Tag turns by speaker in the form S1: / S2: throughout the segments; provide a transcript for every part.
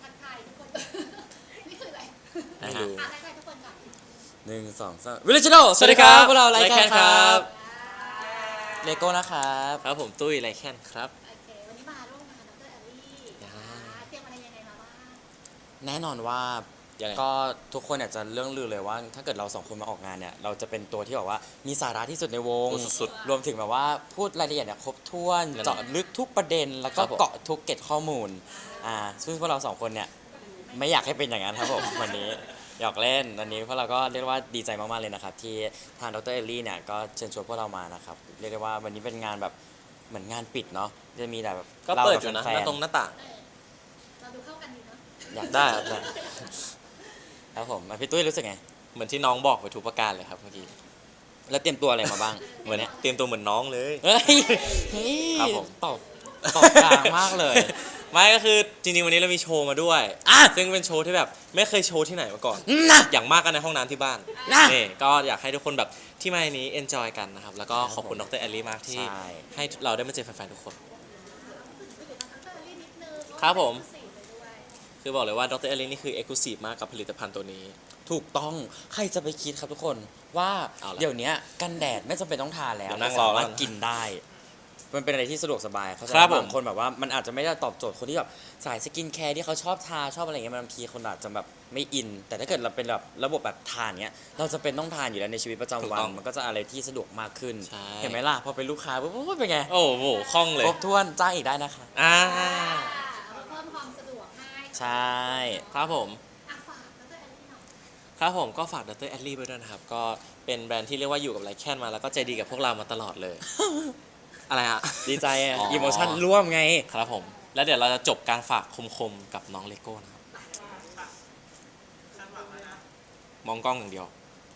S1: ทักทายทุกคนนี่คืออะไร
S2: ไม่รู้
S1: ทักทายทุกคนก่อน
S2: 1 2 3วิลเลจโนสวัสดีครับพวกเราไลแคนครับเลโก้นะครับ
S3: ครับผมตุ้ยไรแคนครับ
S1: โอเควันนี้มาร่วมงานดรแอลลี่เตรียมอะไรยังไงมาบ้าง
S2: แน่นอนว่า
S3: ยังไง
S2: ก็ทุกคนอยากจะเรื่องลือเลยว่า ถ้าเกิดเราสองคนมาออกงานเนี่ยเราจะเป็นตัวที่แบบว่ามีสาระที่สุดในวง
S3: สุด
S2: รวมถึงแบบว่าพูดรายละเอียดเนี่ยครบถ้วน
S3: นั่นแหละ
S2: เจาะลึกทุกประเด็นแล้วก็
S3: ครับผม
S2: เกาะทุกเกร็ดข้อมูลซึ่งพวกเราสองคนเนี่ยไม่อยากให้เป็นอย่างนั้นครับผม วันนี้หยอกเล่นวันนี้พวกเราก็เรียกว่าดีใจมากๆเลยนะครับที่ทางดรเอลลี่เนี่ยก็เชิญชวนพวกเรามานะครับเรียกได้ว่าวันนี้เป็นงานแบบเหมือนงานปิดเนาะจะมีแต่แบบ
S3: ก็เปิด
S2: รา
S3: อยู่นะ
S2: แฟ
S3: หน้าตรงหน้าต่าง
S1: เราดูเข้ากันดีเนาะ
S2: อยาก
S3: ได้ครับได้
S2: ครับผมพี่ตุ้ยรู้สึกไง
S3: เหมือนที่น้องบอกไปทุกประการเลยครับเมื่อกี้
S2: แล้วเตรียมตัวอะไรมาบ้าง
S3: เหมือนเตรียมตัวเหมือนน้องเลย
S2: เฮ้ย
S3: ครับผม
S2: ตอบกลางมากเลย
S3: ไม่ก็คือจริงๆวันนี้เรามีโชว์มาด้วย
S2: อ่ะ
S3: ซึ่งเป็นโชว์ที่แบบไม่เคยโชว์ที่ไหนมาก่อน
S2: นะ
S3: อย่างมากก็ในห้องน้ำที่บ้าน
S2: นะ
S3: นี่ก็อยากให้ทุกคนแบบที่มาในนี้ enjoy กันนะครับแล้วก็ขอบคุณดรแอลลี่มากที่
S2: ใช่
S3: ให้เราได้มาเจอแฟนๆทุกคน
S1: ไปอยู่ทางดรแอลลี่นิดนึง
S3: ครับผม
S1: สีไปด้วย
S3: คือบอกเลยว่าดรแอลลี่นี่คือ exclusive มากกับผลิตภัณฑ์ตัวนี้
S2: ถูกต้องใครจะไปคิดครับทุกคนว่า
S3: เอาล่ะ
S2: เดี๋ยวนี้กันแดดไม่จำเป็นต้องทาแล้ว
S3: เดี๋ยวนั่ง
S2: สามารถ
S3: รอแล้ว
S2: กินได้ มันเป็นอะไรที่สะดวกสบายเขาใจ
S3: ครับผม
S2: บางคนแบบว่ามันอาจจะไม่ได้ตอบโจทย์คนที่แบบสายสกินแคร์ที่เขาชอบทาชอบอะไรเงี้ยบางทีคนอาจจะแบบไม่อิน แต่ถ้าเกิดเราเป็นแบบระบบแบบทานเงี้ยเราจะเป็นต้องทานอยู่แล้วในชีวิตประจำวันมันก็จะอะไรที่สะดวกมากขึ้น
S3: ใช่
S2: เห็นไหมล่ะพอเป็นลูกค้าปุ๊บเป็นไง
S3: โอ้โหคล่องเลย
S2: ครบถ้วนจ้างอีกได้นะคะ
S3: อ่า
S1: เพิ่มความสะดวกให้
S2: ใช่
S3: ครับผม
S1: ฝากดรแอลลี่หน่อย
S3: ครับผมก็ฝากดรแอลลี่ไว้ด้วยนะครับ ก็เป็นแบรนด์ที่เรียกว่าอยู่กับไลแคนมาแล้วก็ใจดีกับพวกเรามาตลอดเลย อะไรฮะ
S2: ดีใจอะ
S3: อ๋อ
S2: อีโมชั่นร่วมไง
S3: ครับผม แล้วเดี๋ยวเราจะจบการฝากคมๆกับน้องเลโก้นะครับ มองกล้องอย่างเดียว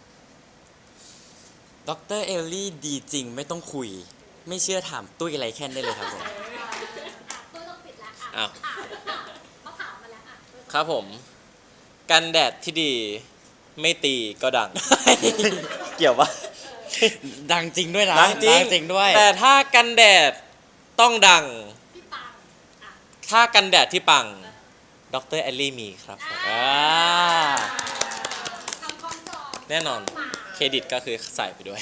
S2: ดรเอลลี่ดีจริงไม่ต้องคุย ไม่เชื่อถามตุ้ยไรแค่นได้เลยครับผม
S1: ตัวต้องปิดแล้ว
S3: อ้าว
S1: เขาถามมาแล้ว
S3: ครับผม กันแดดที่ดีไม่ตีก็ดัง เกี่ยวปะ
S2: ดังจริงด้วยนะ
S3: ดังจริง
S2: จริงด้วย
S3: แต่ถ้ากันแดดต้องดัง
S1: พี่ปัง
S3: ถ้ากันแดดที่ปังดรแอลลี่มีครับผม
S2: อ่า
S1: ทำคล้องจอง
S3: แน่นอน เครดิตก็คือใส่ไปด้วย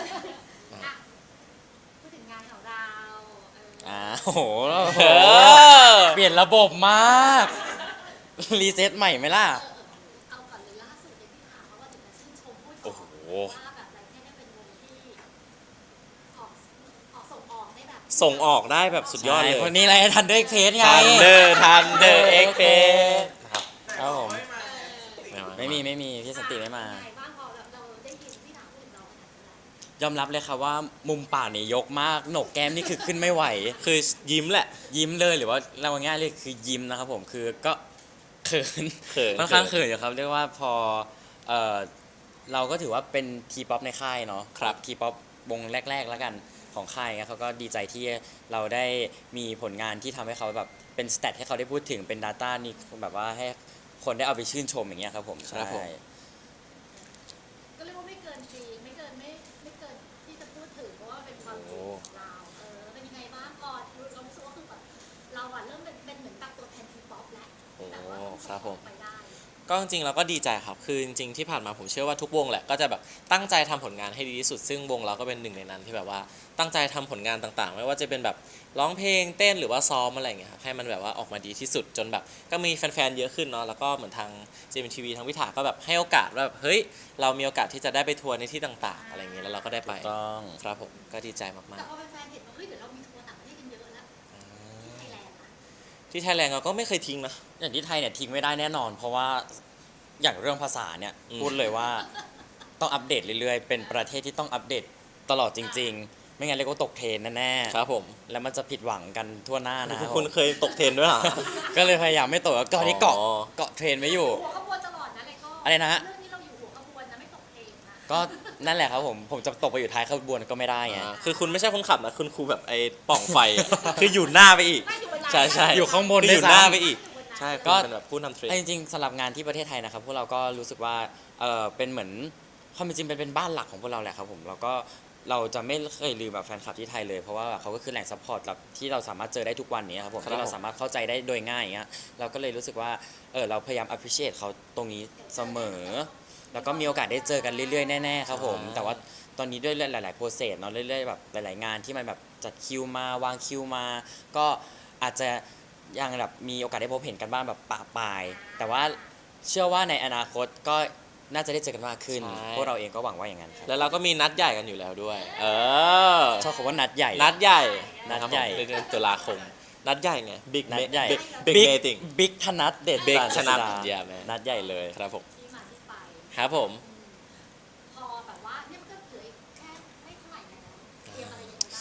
S1: พูดถึงงานของเรา
S2: โอ้โห
S3: เออ
S2: เปลี่ยนระบบมาก รีเซ็ตใหม่ไหมล่ะ
S1: เอาก่อนเลยล่าสุดที่ถามว่าถึงจะชื่นชมพูด
S3: โอ้โห
S1: ว่าแบบไรแค่ได้เป็นวงที่ออกส่งออกได้แบบ
S3: ส่งออกได้แบบสุดยอดเลย
S2: คนนี้อะไรทันเดอร์เพจไง
S3: ทันเดอร์เอ็กเพครับ
S2: ครับผม
S3: ไม่
S2: ไม่มีพี่สันติไม่มา
S1: ไงบ้างพอเราได้ยินที่ถามพูดถึงเราขนาดนั้น
S2: ยอมรับเลยครับว่ามุมปากนี่ยกมากโหนกแก้มนี่คือขึ้นไม่ไหว
S3: คือยิ้มแหละ
S2: ยิ้มเลยหรือว่าเราง่ายๆเลยคือยิ้มนะครับผมคือก็เขิน
S3: เขิน
S2: ค่อนข้างเขินอยู่ครับเรียกว่าพอเอ่อเราก็ถือว่าเป็นทีป๊อปในค่ายเนาะ
S3: ครับ
S2: ทีป๊อปวงแรกๆแล้วกันของค่ายเงี้ยเขาก็ดีใจที่เราได้มีผลงานที่ทำให้เขาแบบเป็นสเตตให้เขาได้พูดถึงเป็น Data นี่แบบว่าให้คนได้เอาไปชื่นชมอย่างเงี้ยครับผม
S3: ครับผม
S2: ใช่
S1: ก็เรียกว่าไม่เกินจริงไม่เกินที่จะพูดถึงเพราะว่าเป็นความจริงของเราเป็นยังไงบ้างก่อนเรารู้สึกว่าคือแบบเราเริ่มเป็นเหมือนแบบตัวแทนทีป๊อปแล้ว
S3: โอ้
S1: แต่ว่า
S3: ครับผม
S1: ไปได้
S3: ก็จริงๆเราก็ดีใจครับ คือจริงๆที่ผ่านมาผมเชื่อว่าทุกวงแหละก็จะแบบตั้งใจทำผลงานให้ดีที่สุด ซึ่งวงเราก็เป็นหนึ่งในนั้นที่แบบว่าตั้งใจทำผลงานต่างๆ ไม่ว่าจะเป็นแบบร้องเพลงเต้นหรือว่าซ้อมอะไรอย่างเงี้ยครับให้มันแบบว่าออกมาดีที่สุดจนแบบก็มีแฟนๆเยอะขึ้นเนาะแล้วก็เหมือนทาง JMTV ทางวิถาก็แบบให้โอกาสว่าแบบเฮ้ยเรามีโอกาสที่จะได้ไปทัวร์ในที่ต่างๆอะไรอย่างเงี้ยแล้วเราก็ได้ไป
S2: ต้อง
S3: ครับผมก็ดีใจมา
S1: แต่
S3: ก
S1: พอแฟนๆเห็นว่าเฮ้ยเดี๋ยวเรามีทัวร์ต่างประเทศกันเยอะแล้วที่ไทยแลนด์นะ
S3: ๆที่ไทยแลนด์เราก็ไม่เคยทิ้งนะ
S2: อย่างที่ไทยเนี่ยทิ้งไม่ได้แน่นอน เพราะว่าอย่างเรื่องภาษาเนี่ย
S3: อืม
S2: พูดเลยว่าต้องอัปเดตเรื่อยๆ เป็นประเทศที่ต้องอัปเดตตลอดจริง ๆ ไม่งั้นเลยก็ตกเทรนแน่ๆ
S3: ครับผม
S2: แล้วมันจะผิดหวังกันทั่วหน้านะครับ
S3: คุณเคยตกเทรนด้วยเหรอ
S2: ก็เลยพยายามไม่ตกแล้วก็นี่เกาะ
S3: อ๋อ
S2: เกาะเทรนไว้อยู่
S1: หัวขบวนตลอดนะเลยก็
S2: อะไรนะฮะ
S1: เรื่องนี้เราอยู่หัวขบวนนะไม่ตกเพลงนะ
S2: ก็นั่นแหละครับผมจะตกไปอยู่ท้ายขบวนก็ไม่ได้ไง
S3: คือคุณไม่ใช่คนขับนะคุณครูแบบไอ้ปล่องไฟอะ คืออยู่หน้าไปอีก
S1: ไม่อยู่บน
S3: ใช่ใช่
S2: อยู่ข้างบน
S3: คืออยู่
S2: ด้วยซ้ำ
S3: หน้าไปอีก ใช่
S2: ก็
S3: คุณเป็นแบบผู้นำเทรน
S2: จริงๆสำหรับงานที่ประเทศไทยนะครับพวกเราก็รู้สึกว่าเป็นเหมือนความเป็นจริงเป็นบ้านหลักของพวกเราแหละครับผมเราก็เราจะไม่เคยลืมแบบแฟนคลับที่ไทยเลยเพราะว่าเขาก็คือแหล่งซัพพอร์ตแบบที่เราสามารถเจอได้ทุกวันนี้ครับผม
S3: ครับ
S2: ที่เราสามารถเข้าใจได้โดยง่ายอย่างเงี้ยเราก็เลยรู้สึกว่าเราพยายาม appreciate เขาตรงนี้เสมอ แล้วก็มีโอกาสได้เจอกันเรื่อยๆแน่ๆครับผมแต่ว่าตอนนี้ด้วยหลายๆโปรเซสเนาะเรื่อยๆแบบหลายๆงานที่มันแบบจัดคิวมาวางคิวมา ก็อาจจะยังแบบมีโอกาสได้พบเห็นกันบ้างแบบปะปาย แต่ว่าเชื่อว่าในอนาคตก็น่าจะได้เจอกันมากขึ้น
S3: ใช่
S2: พวกเราเองก็หวังว่าอย่างนั้นครับ
S3: แล้วเราก็มีนัดใหญ่กันอยู่แล้วด้วย
S2: ชอบคำว่านัดใหญ่
S3: นัดใหญ่
S2: นัดใหญ่
S3: นะครับผมในเดือนตุลาคม นัดใหญ่ไง Big
S2: นัดใหญ่
S3: Big Meeting
S2: บิ๊กธนัดเด็ด
S3: Big
S2: ปราศ
S3: ธนัด
S2: ดา
S3: yeah man
S2: นัดใหญ่เลย
S3: ครับผม
S1: ที่มาที่ไป
S3: ครับผม
S1: พอแบบว่าเนี่ยมันก็เหลืออีกแค่ไม่เท่าไหร่แล้วเตรียมอะไรยังไงบ้าง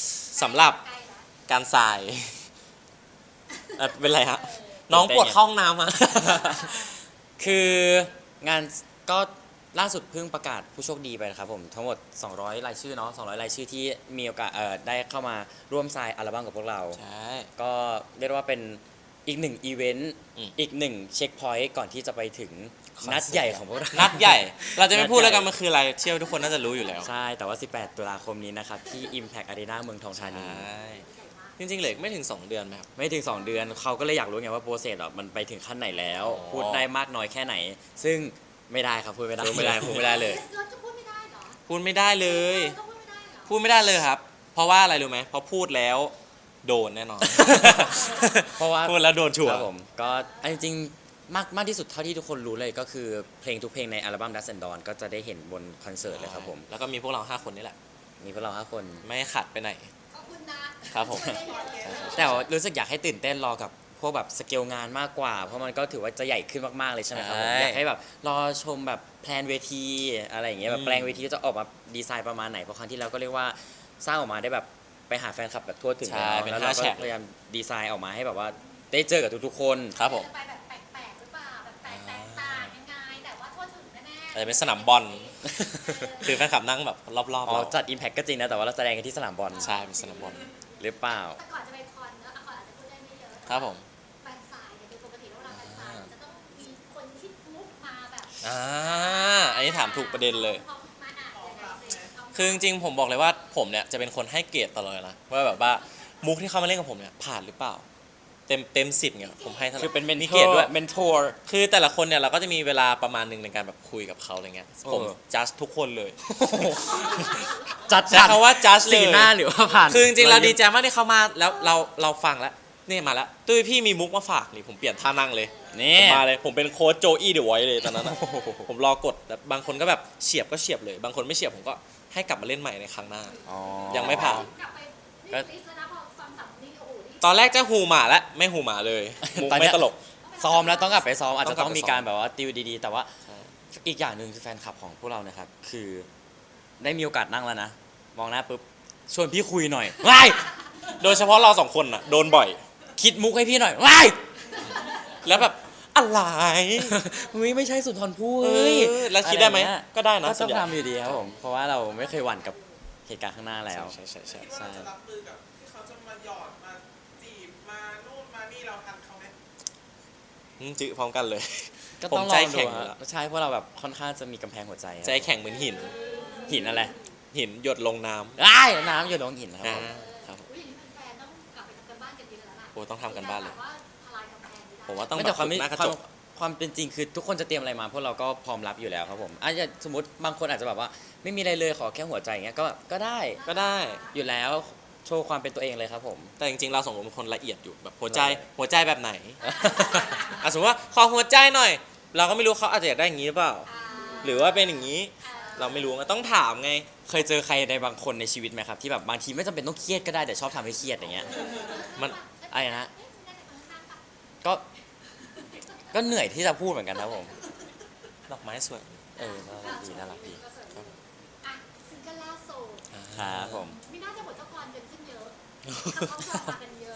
S3: สำหรับ
S1: ใกล้แล้ว
S3: การทรายเป็นไรฮะ น้องปวดเข้าห้องน้ำอะ
S2: คืองานก็ล่าสุดเพิ่งประกาศผู้โชคดีไปนะครับผมทั้งหมด 200 รายชื่อเนาะ200 รายชื่อที่มีโอกาสได้เข้ามาร่วมทรายอัลบั้มกับพวกเรา
S3: ใช่
S2: ก็เรียกได้ว่าเป็นอีกหนึ่งอีเวนต์
S3: อืม
S2: อีกหนึ่งเช็คพอยต์ก่อนที่จะไปถึง
S3: คอนเสิร์ต
S2: นัดใหญ่ของพวกเรา
S3: นัดใหญ่ เราจะไม่พูด
S2: นัดใหญ่
S3: แล้วกันมันคืออะไร เชื่อว่าทุกคนน่าจะรู้อยู่แล้ว
S2: ใช่ แต่ว่า 18 ตุลาคมนี้นะครับ ที่ Impact Arena เมืองทองธา
S3: ใช่
S2: นี
S3: จริงๆเหลืออกไม่ถึง 2 เดือนไหมครับ
S2: ไม่ถึง 2 เดือนเขาก็เลยอยากรู้ไงว่าโปรเซสมันไปถึงขั้นไหนแล้ว
S3: อ๋อ
S2: พูดได้มากน้อยแค่ไหน ซึ่งไม่ได้ครับพูดไม่ได้
S3: พูดไม่ได้พูดไม่ได้เลย
S1: เราจะพูดไม่ได้เหรอ
S3: พูดไม่ได้เลย
S1: ก็พูดไม่ได้เหรอ
S3: พูดไม่ได้เลยครับ เพราะว่าอะไรรู้ไหมเพราะพูดแล้วโดนแน่นอน
S2: เพราะว่า
S3: พูดแล้วโดนชัว
S2: ค
S3: ร์
S2: รับผมก็อันจริงๆมากที่สุดเท่าที่ทุกคนรู้เลยก็คือเพลงทุกเพลงในอัลบั้ม Dust and Dawn ก็จะได้เห็นบนคอนเสิร์ตเลยครับผม
S3: แล้วก็มีพวกเรา 5 คนนี่แหละ
S2: มีพวกเรา5คน
S3: ไม่ขัดไปไหน
S1: ขอบคุณนะครับ
S3: ผม
S1: ช่วยได้เยอะ
S2: แต่ว่ารู้สึกอยากให้ตื่นเต้นรอกับพวกแบบสเกลงานมากกว่า เพราะมันก็ถือว่าจะใหญ่ขึ้นมากๆเลยใช่ไหมครับผม
S3: ใช่
S2: อยากให้แบบรอชมแบบแพลนเวทีอะไรอย่างเงี้ยแบบแปลงเวทีจะออกมาดีไซน์ประมาณไหนเพราะครั้งที่แล้วก็เรียกว่าสร้างออกมาได้แบบไปหาแฟนคลับแบบทั่วถึง
S3: ใช่
S2: แล้ว
S3: เป็น
S2: แล้วเรา
S3: 5
S2: ก็
S3: แฉก
S2: พยายามดีไซน์ออกมาให้แบบว่าได้เจอกับทุกๆคน
S3: ครับผม
S1: จะไปแบบแปลกๆหรือเปล่าแบบแปลกแตกต่างยังไงแต่ว่าทั่วถึงแน่ๆ
S3: อาจจะเป็นสนามบอล คือแฟนคลับนั่งแบบรอบๆ
S2: อ๋อ
S3: เรา
S2: จัด Impact ก็จริงนะแต่ว่าเราแสดงกันที่สนามบอล
S3: ใช่เป็นสนามบอล
S2: หรือเปล่า
S1: แต่ก่อนจะไปคอนเนอะคอนอาจจะพูดได้ไม่เยอะ
S3: ครับผม
S1: แฟนสายเนี่ยโดยปกติแล้วเวลาแฟนสายจะต้องมีคนที่มุกมาแบบ
S3: อันนี้ถามถูกประเด็นเลย
S1: พอมาอ่านยังไงสิ
S3: คือจริงๆผมบอกเลยว่าผมเนี่ยจะเป็นคนให้เกรดตลอดนะว่าแบบว่ามุกที่เขามาเล่นกับผมเนี่ยผ่านหรือเปล่า เต็ม10เนี่ยผมให้เท่าไหร่
S2: คือเป็นเมน
S3: มี
S2: เท
S3: เกร
S2: อ
S3: ด
S2: ร์
S3: ด้วย
S2: เมนทอร์
S3: คือแต่ละคนเนี่ยเราก็จะมีเวลาประมาณหนึ่งในการแบบคุยกับเขาอะไรเงี้ยผม
S2: เออ
S3: จัดทุกคนเลย
S2: จัด
S3: ใช้คำว่า judge เลย
S2: สีหน้าหรือว่าผ่าน
S3: คือจริงๆเราดีใจมากที่เขามาแล้วเราฟังแล้วนี่มาแล้วตุ้ยพี่มีมุกมาฝากนี่ผมเปลี่ยนท่านั่งเลย
S2: นี่
S3: ผมมาเลยผมเป็นโค้ชโจอี้เดอะไวท์เลยตอนนั้นอะผมรอกดแต่บางคนก็แบบเฉียบก็เฉียบเลย บางคนไม่เฉียบผมก็ให้กลับมาเล่นใหม่ในครั้งหน้า
S2: อ๋อ
S3: ยังไม่ผ่าน
S1: กลับไปนี่ลิสต์แล้วนะพอฟังสับนี่โอ้โหนี่
S3: ตอนแรกจะหูหมาแล้วไม่หูหมาเลยมุก
S2: ตอนเนี้
S3: ไม่
S2: ย
S3: ตลก
S2: ซ้อมแล้วต้องกลับไปซ้อมอาจ
S3: ต้
S2: จะ
S3: องกลับ
S2: ต้อง
S3: ไป
S2: มีการ
S3: ซ้อม
S2: แบบว่าติวดีๆ แต่ว่า
S3: ใช่
S2: อีกอย่างหนึ่งคือแฟนคลับของพวกเรานะครับคือได้มีโอกาสนั่งแล้วนะมองหน้าปุ๊บชวนพี่คุยหน่อยว้าย
S3: โดยเฉพาะเราสองคนน่ะโดนบ่อย
S2: คิดมุกให้พี่หน่อยว้าย
S3: แล้วแบบอะไร
S2: เฮ้ยไม่ใช่สุนทรภู่
S3: เอ
S2: เฮ้ย
S3: อแล้วคิดได้ไหม
S2: อะรเงี้ย
S3: ก็ได้นะ
S2: ก็
S3: ส่
S2: ต้
S3: ว
S2: อน ง
S3: ใหญ่
S2: ทำอยู่ดีครับผมเพราะว่าเราไม่เคยหวั่นกับเหตุการณ์ข้างหน้าแล้ว
S3: ใช่ใช่ใช่
S4: คิดว่าเราจะรับมือกับที่เขาจะมาหยอดมาจีบมานู่นมานี่เราทันเขาไหม
S3: จื้อพร้อมกันเลย
S2: ก็
S3: ผม
S2: ต้องล
S3: ใจ
S2: อง
S3: แข็
S2: ดู
S3: งอยู่
S2: ฮะ
S3: แล้ว
S2: ใช่เพราะเราแบบค่อนข้างจะมีกำแพงหัวใจครับ
S3: ใจแข็งเหมือนหิน
S2: หินอะไร
S3: หินหยดลงน้ำ
S2: อ้ายน้ำอยู่ลงหินครับผม
S3: ครับผม
S1: อุ้ยอย่างนี้แฟนๆต้องกลับไปทำกันบ้านกันเยอะแล้วล่ะ
S3: โอ้ต้องทำกันบ้านเลย
S1: แบบว่าทลายกำแพงนี้ได้
S3: ผมว่าต้อง
S2: ไม่
S3: แบ
S2: แต่
S3: บ
S2: ความ
S3: ฝึกหน้ากระ
S2: ความ
S3: จก
S2: ความเป็นจริงคือทุกคนจะเตรียมอะไรมาพวกเราก็พร้อมรับอยู่แล้วครับผมอาจจะสมมติบางคนอาจจะแบบว่าไม่มีอะไรเลยขอแค่หัวใจอย่างเงี้ยก็ได้
S3: ก็ได้
S2: อยู่แล้วโชว์ความเป็นตัวเองเลยครับผม
S3: แต่จริงๆเราสองคนเป็นคนละเอียดอยู่แบบหัวใจแบบไหน อ่ะสมมติว่าขอหัวใจหน่อย เราก็ไม่รู้เขาอาจจะอยากได้อย่างนี้หรือเปล่า
S1: อ่า
S3: หรือว่าเป็นอย่างนี้ เราไม่รู้ไงต้องถามไง
S2: เคยเจอใครในบางคนในชีวิตไหมครับที่แบบบางทีไม่จำเป็นต้องเครียดก็ได้แต่ชอบทำให้เครียดอย่างเงี้ย
S3: มัน
S2: อะไรนะ
S1: เอ๊ะคุณได้จากข้างๆปะ
S2: ก็เหนื่อยที่จะพูดเหมือนกันครับผม
S3: ดอกไม้สวย
S2: น่ารักดีน่ารักดี
S1: ก็สวยอ่ะซิงเกิลล่าสุด
S2: ครับผม
S1: ไม่น่าจะบทเจ้าพรกันขึ้นเยอะเขาชอบมากันเยอะ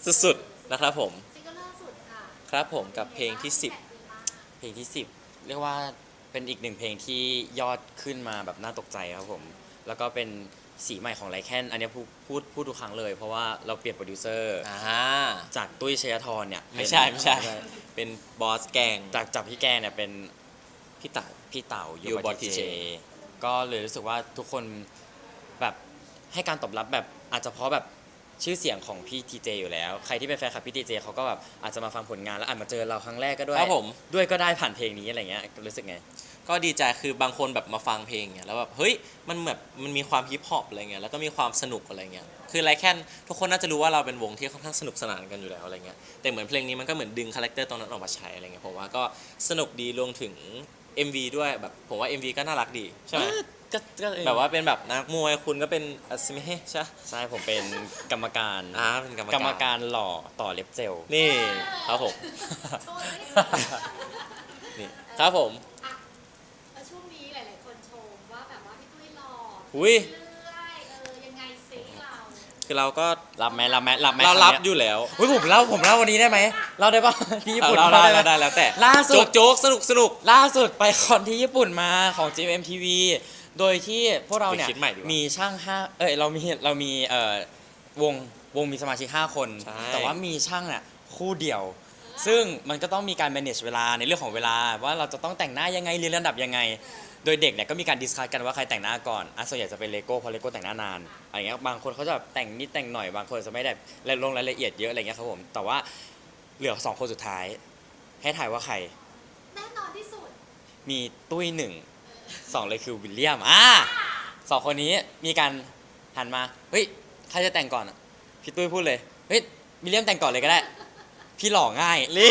S3: สุดๆนะครับผม
S1: ซิงเกิลล่าสุดค่ะ
S3: ครับผมกับเพลงที่
S2: เพลงที่ 10 เรียกว่าเป็นอีกหนึ่งเพลงที่ยอดขึ้นมาแบบน่าตกใจครับผม แล้วก็เป็นสีใหม่ของไลแคนอันเนี้ยพูดทุกครั้งเลย เพราะว่าเราเปลี่ยนโปรดิวเซอร์ จากตุ้ยชัยธรเนี่ย
S3: ไม่ใช่เป็นบอสแกง
S2: จากพี่แกเนี่ยเป็น
S3: พี่เต๋า
S2: พี่เต๋า
S3: ยู
S2: ยู
S3: บ
S2: บ
S3: อ
S2: อ
S3: ส
S2: ที
S3: TJ
S2: เจก็เลยรู้สึกว่าทุกคนแบบให้การตอบรับแบบอาจจะเพราะแบบชื่อเสียงของพี่ทีเจอยู่แล้วใครที่เป็นแฟนคลับพี่ทีเจเขาก็แบบอาจจะมาฟังผลงานแล้วอาจมาเจอเราครั้งแรกก็ด้วย
S3: ครับผม
S2: ด้วยก็ได้ผ่านเพลงนี้อะไรเงี้ยรู้สึกไง
S3: ก็ดีใจคือบางคนแบบมาฟังเพลงเนี่ยแล้วแบบเฮ้ยมันแบบมันมีความฮิปฮอปอะไรเงี้ยแล้วก็มีความสนุกอะไรเงี้ยคือไรแค่นทุกคนน่าจะรู้ว่าเราเป็นวงที่ค่อนข้างสนุกสนานกันอยู่แล้วอะไรเงี้ยแต่เหมือนเพลงนี้มันก็เหมือนดึงคาแรคเตอร์ตรงนั้นออกมาใช้อะไรเงี้ยผมว่าก็สนุกดีรวมถึง MV ด้วยแบบผมว่า MV ก็น่ารักดีใช่ไหม
S2: ก็
S3: แบบว่าเป็นแบบนักมวยคุณก็เป็นอัศมิเฮใช่ปะ
S2: ใช่ผมเป็นกรรมการ
S3: เป็นกรรม
S2: กรรมการหล่อต่อเล็บเจล
S3: นี่ครับผม
S1: โชว์สิ
S3: นี่ครับผม
S1: อ่ะแล้วช่วงนี้หลาย ๆ คนชมว่าแบบว่าพี่ตุ้ยหล่อ
S3: อุ้ย
S1: เรื่อยยังไงซิเรา
S3: คือเราก็
S2: รับไหม
S3: เรา
S2: คำ
S3: รับ
S2: เนี้
S3: อยู่แล้ว
S2: อุ้ยผมเล่าวันนี้ได้ไหมเล่าได้ปะที่ญี่ปุ่น
S3: เรา
S2: เล่า
S3: ได้
S2: ได้ไหม
S3: แล้วแต่
S2: ล่าสุด
S3: โจ๊กสนุก
S2: ล่าสุดไปคอนที่ญี่ปุ่นมาของ GMMTV โดยที่พวกเราเนี่ย
S3: ไปคิดใหม่ดีกว่า
S2: มีช่าง5เรามีวงมีสมาชิก5 คน
S3: ใช่
S2: แต่ว่ามีช่างน่ะคู่เดียว ซึ่งมันก็ต้องมีการ manage เวลาในเรื่องของเวลาว่าเราจะต้องแต่งหน้ายังไงเรียนระดับยังไง โดยเด็กเนี่ยก็มีการดิสคัสกันว่าใครแต่งหน้าก่อนส่วนใหญ่จะเป็นเลโก้เพราะเลโก้แต่งหน้านานอะไรเงี้ยบางคนเขาจะแบบแต่งนิดแต่งหน่อยบางคนจะไม่ได้ลงรายละเอียดเยอะอะไรเงี้ยครับผมแต่ว่าเหลือ2 คนสุดท้ายให้ถ่ายว่าใคร
S1: แน่นอนที่สุด
S2: มีตุ้ย1 2เลยคือวิลเลียม2 คนนี้มีการหันมาเฮ้ยใครจะแต่งก่อนอะพี่ตุ้ยพูดเลยเฮ้ยวิลเลียมแต่งก่อนเลยก็ได้พี่หล่อง่าย
S3: นี่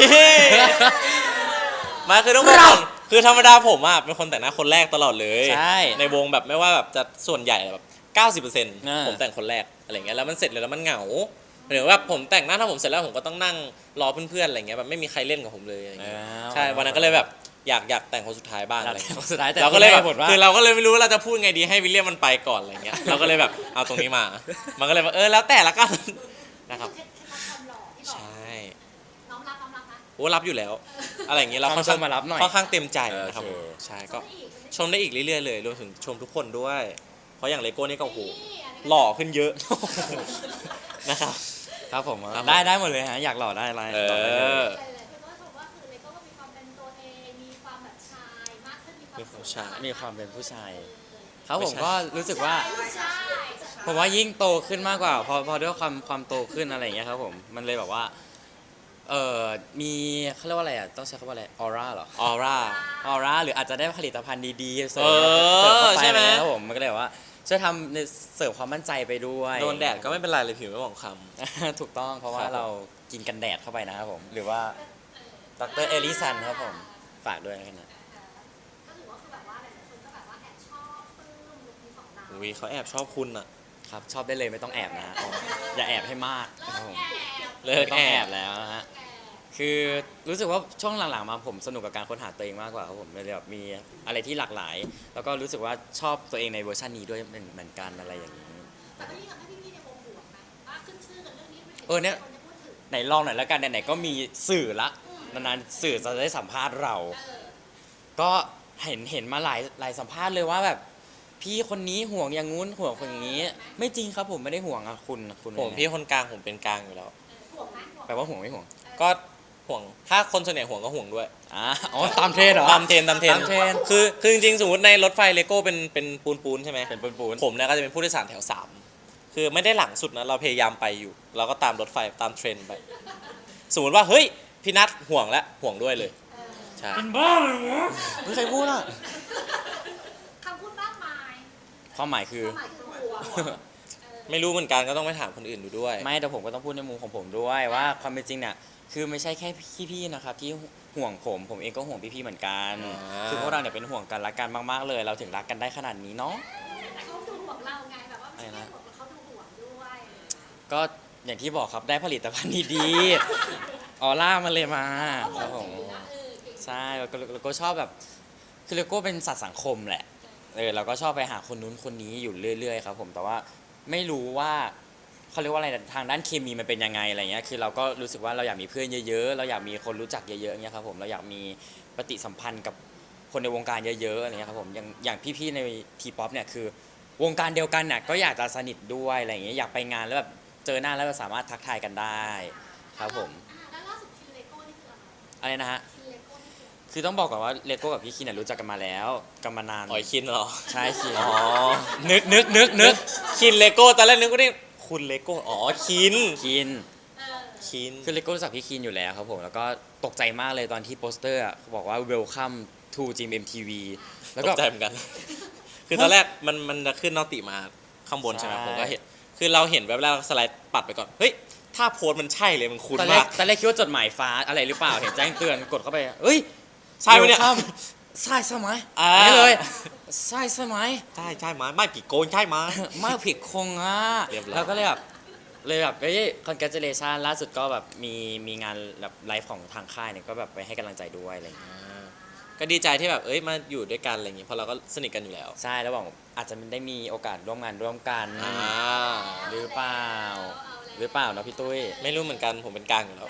S3: มาคือต้องบอกก่อนคือธรรมดาผมอ่ะเป็นคนแต่งหน้าคนแรกตลอดเลย
S2: ใช่
S3: ในวงแบบไม่ว่าแบบจะส่วนใหญ่แบบ 90% ผมแต่งคนแรกอะไรเงี้ยแล้วมันเสร็จเลยแล้วมันเหงาหรือว่าผมแต่งหน้าถ้าผมเสร็จแล้วผมก็ต้องนั่งรอเพื่อนๆอะไรเงี้ยแบบไม่มีใครเล่นกับผมเลยอะไรเงี้ยใช่วันนั้นก็เลยแบบอยากแต่งคนสุดท้ายบ้างอะไรเงี้ย
S2: สุดท้ายแต่
S3: เราก็เลยแบบ
S2: บทว่า
S3: คือเราก็เลยไม่รู้ว่าเราจะพูดไงดีให้วิลเลียมมันไปก่อนอะไรเงี้ยเราก็เลยแบบเอาตรงนี้มา มันก็เลยแบบแล้วแต่ละกันนะครับ
S1: เคล็ดลับความหล่อที่หล่อ
S3: ใช่
S1: น้องรับนะ
S3: โอ้รับอยู่แล้ว อะไรอย่างเงี้ยเรา
S2: คำ
S3: ค่อน
S2: ช
S3: ข้าม ง
S2: มารับหน่อย
S3: ค่อนข้างเต็มใจนะครับ
S2: โอเค
S3: ใช่
S1: ช
S3: ก็
S1: มได้อีก
S3: ชมได้อีกเรื่อยๆเลยรวมถึงชมทุกคนด้วย เพราะอย่างเลโก้นี่ก็โอ้โห
S1: นี่อันนี้ก็
S3: หล่อขึ้นเยอะ นะครับ
S2: ครับผม
S3: ครับผม
S2: ได้หมดเลยฮะอยากหล่อได้อะไร
S3: เอ
S2: หล่อได้เลย
S3: อ
S1: หลายๆคนก็ชมว่าคือเลโก้ก็มีความเป็นตัวเองมีความแบบชายมากขึ้นมีความ
S3: มีความ
S1: สุข
S3: ชาย
S2: มีความเป็นผู้ชาย
S1: เออ
S2: ครับผมก็รู้สึกว่า
S1: ใช่
S2: ผมว่ายิ่งโตขึ้นมากกว่าพอด้วยความโตขึ้นอะไรอย่างเงี้ยครับผมมันเลยแบบว่ามีเขาเรียกว่าอะไรต้องใช้คำว่าอะไรออร่าเหรอ
S3: ออร่า
S2: ออร่าหรืออาจจะได้ผลิตภัณฑ์ดีๆเสริม
S3: เออ
S2: เสริมเข้าไป
S3: ใช่ไหม
S2: อะไรครับผมมันก็เลยแบบว่าช่วยทำในเสริมความมั่นใจไปด้วย
S3: โดนแดดก็ไม่เป็นไรเลยผิวไม่หมองค
S2: ถูกต้องเพราะว่า
S3: ครับผม
S2: เรากินกันแดดเข้าไปนะครับผมหรือว่าดรเอลิสันครับผมฝากด้วยนะครับ
S1: ก็ถือว่าคือแบบว่าหลายๆคนก็แบบว่าแอบชอบปลื้มลุคนี้ของเรา
S3: ำอุ้ยเขาแอบชอบคุณอะ
S2: ครับชอบได้เลยไม่ต้องแอบนะอย่าแอบให้มากครับผม
S3: เลิก
S2: ไม่ต้
S3: แอ
S2: องแอบบ แล้วนะฮะ คือรู้สึกว่าช่วงหลังๆมาผมสนุกกับการค้นหาตัวเองมากกว่าครับผมเลยแบบมีอะไรที่หลากหลาย แล้วก็รู้สึกว่าชอบตัวเองในเวอร์ชันนี้ด้วยเหมือนกันอะไรอย่างนี้
S1: แต่ก็ยิ่งทำให้พี่ๆในวงห่วงนะว่าขึ้นชื่อกันเรื่องนี้ไม่เห็น
S2: เนี่ย
S1: คนจะพูดถึง
S2: ไหนลองหน่อยแล้วกันไหนๆก็มีสื่อละนานๆสื่อจะได้สัมภาษณ์เรา
S1: เออ
S2: ก็เห็นมาหลายสัมภาษณ์เลยว่าแบบพี่คนนี้ห่วงอย่างงู้นห่วงคนอย่างนี้ ไม่จริงครับผมไม่ได้ห่วงอะคุณ
S3: ผมพี่คนกลางผมเป็นกลางอยู่แล้ว
S1: ห่วงไหมห่วง
S2: แปลว่าห่วงไม่ห่วง
S3: ก็ห่วงถ้าคนส่วนใหญ่ห่วงก็ห่วงด้วย
S2: อ๋อตามเทรนด์เหรอ
S3: ตามเทรนด์
S2: ตามเทรนด์
S3: คือจริงๆสมมติในรถไฟเลโก้เป็นปูนใช่ไหม
S2: เป็นปูน
S3: ผมเนี่ยก็จะเป็นผู้โดยสารแถว 3 คือไม่ได้หลังสุดนะ เราพยายามไปอยู่ เราก็ตามรถไฟตามเทรนด์ไป สมมติว่า เฮ้ย พี่นัทห่วงแล้วห่วงด้วยเลย ใช่
S2: เป็นบ้าเลยวะไม่ใครพูดอ่ะ
S1: คำพูดมากมาย
S2: ความหมายคือ
S1: ความหมายคือห่วง
S3: ไม่รู้เหมือนกันก็ต้องไปถามคนอื่นดูด้วย
S2: ไม่แต่ผมก็ต้องพูดในมุมของผมด้วยว่าความเป็นจริงเนี่ยคือไม่ใช่แค่พี่ๆนะครับที่ห่วงผมเองก็ห่วงพี่ๆเหมือนกัน
S3: อ่า
S2: คือพวกเราเนี่ยเป็นห่วงกันรักกันมากๆเลย เราถึงรักกันได้ขนาดนี้เนาะ
S1: แต่เขาดูห่วงเราไงแบบว่าไม่ใช่แค่ห่วงเขาดูห่วงด้วย
S2: ก็อย่างที่บอกครับได้ผลิตภัณฑ์ดีๆออร่ามันเลยมาครับผมใช่แล้วก็ชอบแบบคือเลโก้เป็นสัตว์สังคมแหละเราก็ชอบไปหาคนนู้นคนนี้อยู่เรื่อยๆครับผมแต่ว่าไม่รู้ว่าเขาเรียกว่าอะไรทางด้านเคมีมันเป็นยังไงอะไรเงี้ยคือเราก็รู้สึกว่าเราอยากมีเพื่อนเยอะๆเราอยากมีคนรู้จักเยอะๆอย่างเงี้ยครับผมเราอยากมีปฏิสัมพันธ์กับคนในวงการเยอะๆอะไรเงี้ยครับผมอย่างพี่ๆในทีป๊อปเนี่ยคือวงการเดียวกันเนี่ยก็อยากจะสนิทด้วยอะไรเงี้ยอยากไปงานแล้วแบบเจอหน้าแล้วสามารถทักทายกันได้ครับผม
S1: แล้วล่าสุดทีเลโก้นี่คืออะไร
S2: อะไรนะฮะ
S1: ทีเลโก้นี่คือ
S2: คือต้องบอกก่อนว่าเลโก้กับพี่คินเนี่ยรู้จักกันมาแล้วกันมานาน
S3: อ๋อยคินเหรอ
S2: ใช่คิน
S3: อ๋อ
S2: นึก
S3: คินเลโก้ตอนแรกนึกว่านี่คุณเลโก้อ๋อคิน
S2: คิน
S1: เออ
S3: คิน
S2: คือเลโก้รู้จักพี่คินอยู่แล้วครับผมแล้วก็ตกใจมากเลยตอนที่โปสเตอร์อะบอกว่า welcome to GMMTV แล้ว
S3: ต
S2: ก็
S3: กใจเหมือนกัน คือตอนแรกมันจะขึ้นนอติมาข้างบนใช่ไหม
S2: ใช่
S3: ผมก็เห็นคือเราเห็นแบบแรกสไลด์ปัดไปก่อนเฮ้ยถ้าโพสต์มันใช่เลยมันคุ้น
S2: ตอนแร
S3: มาก ก
S2: ตอนแรกคิดว่าจดหมายฟ้าอะไรหรือเปล่า เห็นแจ้งเตือนกดเข้าไปเอ้ย
S3: ใช่ไหมเนี่ย
S2: welcome ใช่ใช่ไหม
S3: อ่า
S2: นี่เลยใช่ใช่ไหม
S3: ใช่ใช่ไหมไม่ผีโกนใช่ไหม
S2: มากผิดคงอ่ะ
S3: เรียบร้อย
S2: แล้วก็เลยแบบเอ้ย congratulation ล่าสุดก็แบบมีงานแบบไลฟ์ของทางค่ายเนี่ยก็แบบไปให้กำลังใจด้วยอะไรอย่างเงี้ย
S3: ก็ดีใจที่แบบเอ้ยมาอยู่ด้วยกันอะไรอย่างงี้เพราะเราก็สนิทกันอยู่แล้ว
S2: ใช่แล้วบอกอาจจะได้มีโอกาสร่วมงานร่วมกัน
S3: อ่า
S2: หรือเปล่า หรือเปล่าเนาะพี่ตุ้ย
S3: ไม่รู้เหมือนกันผมเป็นกลางอยู่แล้ว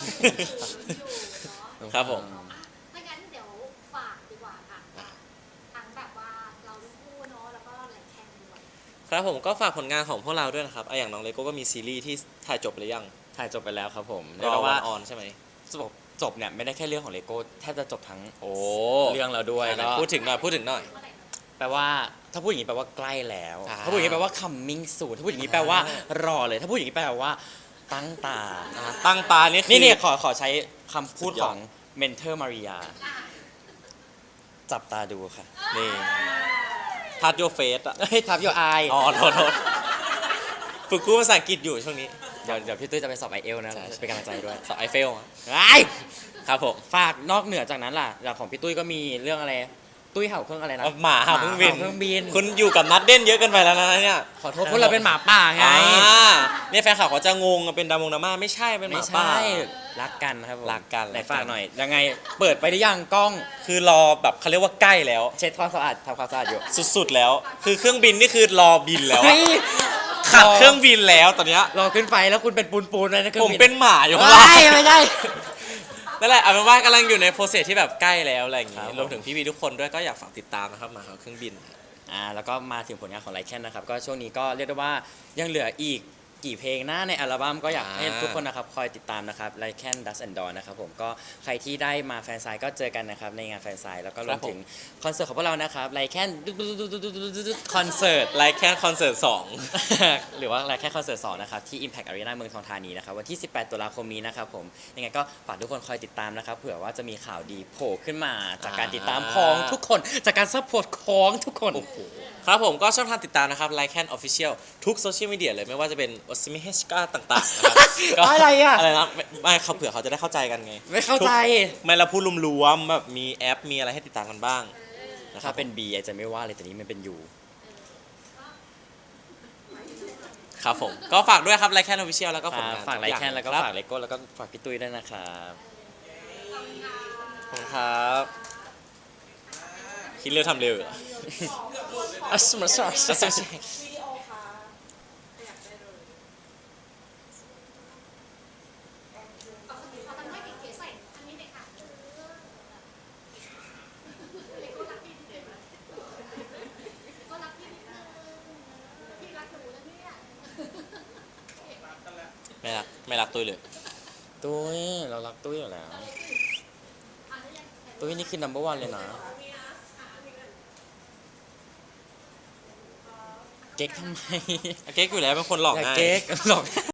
S1: อยู่เนาะ
S3: ครับผม
S1: อ่ะถ้างั้นเดี๋ยวฝากดีกว่าค่ะทั้งแบบว่าเราทั้งคู่เนาะแล้วก็ไลค์แคนด้วย
S3: ครับผมก็ฝากผลงานของพวกเราด้วยนะครับอย่างน้องเลโก้ก็มีซีรีส์ที่ถ่ายจบหรือยัง
S2: ถ่ายจบไปแล้วครับผม
S3: ร
S2: เรียก
S3: อ
S2: ได้
S3: วั
S2: ว่าน
S3: ออนใช่ไหม
S2: จบเนี่ยไม่ได้แค่เรื่องของเลโก้แทบจะจบทั้ง
S3: โอ้
S2: เรื่องเราด้วย
S3: ไหน
S2: ก็
S3: พูดถึงหน่อยพูดถึงหน่อย
S1: เมื่อไหร่นะ
S2: แปลว่าถ้าพูดอย่างนี้แปลว่าใกล้แล้ว
S3: อ่า
S2: ถ้าพูดอย่างนี้แปลว่า coming soon ถ้าพูดอย่างนี้แปลว่ารอเลย ถ้าพูดอย่างนี้แปลว่าตั้งตา
S3: ตั้งตานี่คือ
S2: นี่ขอใช้คำพูด
S3: สุดยอด
S2: ของเมนเทอร์มาริยา จับตาดูค่ะ
S3: นี่ทัดโยเฟสอ่ะ
S2: เฮ้ยทับยอไอ
S3: อ๋อโทษฝึกพูดภาษาอังกฤษอยู่ช่วงนี้
S2: เดี๋ยวพี่ตุ้ยจะไปสอบไอเอลนะ
S3: ใช่
S2: เป็นกำลังใจด้วย
S3: สอบไอเฟลอะ
S2: ไอ้
S3: ครับผม
S2: ฝากนอกเหนือจากนั้นล่ะอย่างของพี่ตุ้ยก็มีเรื่องอะไร ตุ้ยเห่าเครื่องอะไรนะ
S3: หมาเห่าเครื่องบิน
S2: เครื่องบิน
S3: คุณอยู่กับนัดเด่นเยอะเกินไปแล้วนะเนี่ย
S2: ขอโทษพวกเราเป็นหมาป่าไง
S3: เนี่ยแฟนข่าวเขาจะงงเป็นดามงดราม่าไม่ใช่เป็นห
S2: ไม่
S3: มาป่า
S2: ใช่รักกันครับผม
S3: รักกัน
S2: ไหนฝากหน่อยยังไงเปิดไปได้ยังกล้อง
S3: คือรอแบบเขาเรียกว่าใกล้แล้ว
S2: เช็ดความสะอาดทำความสะอาดอยู่
S3: สุดๆแล้ว คือเครื่องบินนี่คือรอบินแล้วอะ
S2: เฮ้ย
S3: ขับเครื่องบินแล้วตอนเนี้ย
S2: รอขึ้นไฟแล้วคุณเป็นปูนๆเลยนะครื่อง
S3: ผม
S2: บิน
S3: เป็นหมาอยู่ข้าง
S2: ไม่
S3: ล่าง
S2: ไม่ใช่
S3: นั่นแหละเอาเป็นว่ากำลังอยู่ในโปรเซสที่แบบใกล้แล้วอะไรอย่าง
S2: ครั
S3: งี้
S2: บ
S3: รวมถึงพี่ๆทุกคนด้วยก็อยากฝากติดตามนะครับหมาเขาเครื่องบิน
S2: แล้วก็มาถึงผลงานของไลแคนนะครับก็ช่วงนี้ก็เรียกได้ว่ายังเหลืออีกกี่เพลงหน้าในอัลบั้มก็อยากให้ทุกคนนะครับคอยติดตามนะครับไลแคนดัสแอนด์ดอนนะครับผมก็ใครที่ได้มาแฟนไซน์ก็เจอกันนะครับในงานแฟนไซน์แล้วก็รวมถึงคอนเสิร์ตของพวกเรานะครับไลแคนคอนเสิร์ต
S3: ไลค์แค่คอนเสิร์ต2
S2: หรือว่าอะไรแค่คอนเสิร์ต2นะครับที่ Impact Arena เมืองทองธานีนะครับวันที่ 18 ตุลาคมนี้นะครับผมยังไงก็ฝากทุกคนคอยติดตามนะครับเผื่อว่าจะมีข่าวดีโผล่ขึ้นมาจากการติดตามของทุกคนจากการซัพพอร์ตของทุกคน
S3: โอ้โหครับผมก็ช่องทางติดตามนะครับไลค์แคนออฟฟิเชียลทุกโซเชียลมีเดียเลยไม่ว่าจะเป็นโอซิมิเฮชกาต่างๆนะครับก็
S2: อะไรอะ
S3: อะไรนะไม่เขาเผื่อเขาจะได้เข้าใจกันไง
S2: ไม่เข้าใจ
S3: ไม่เราพูดรวมๆแบบมีแอปมีอะไรให้ติดตามกันบ้างนะค
S2: ถ้า
S3: รับ
S2: เป็น B อาจจะไม่ว่าเลยแต่นี้มันเป็น U
S3: ครับผมก็ฝากด้วยครับไลค์แคนออฟฟิเชียลแล้วก็ผลงาน
S2: ฝากไล
S3: ทุอย่
S2: แคนแล้วก็
S3: รับ
S2: ฝากเลโก้แล้วก็ฝากพี่ตุ้ยด้วยนะครับ
S3: ขอบคุณครับคิดเร็วทำเร็วเหรอ
S2: อัสมาซา
S3: ใช่
S1: เอาทำให้เก๋ๆใส่อันนี้เลยค่ะเล็กก็รักพี่นิดนึงก็รักพี่นิดนึงพี่รักหนูแล้วเนี่ย
S3: ไม่รักตุ้ยเลย
S2: ตุ้ยเรารักตุ้ยอยู่แล้ว
S1: อ่ะแล้วยัง
S2: ตุ้ยนี่คือ number one เลยนะเก๊กทำไม
S3: เก๊กอยู่แล้วเป็นคนหลอก
S2: อย่า
S3: ง่าย
S2: เก๊กหลอก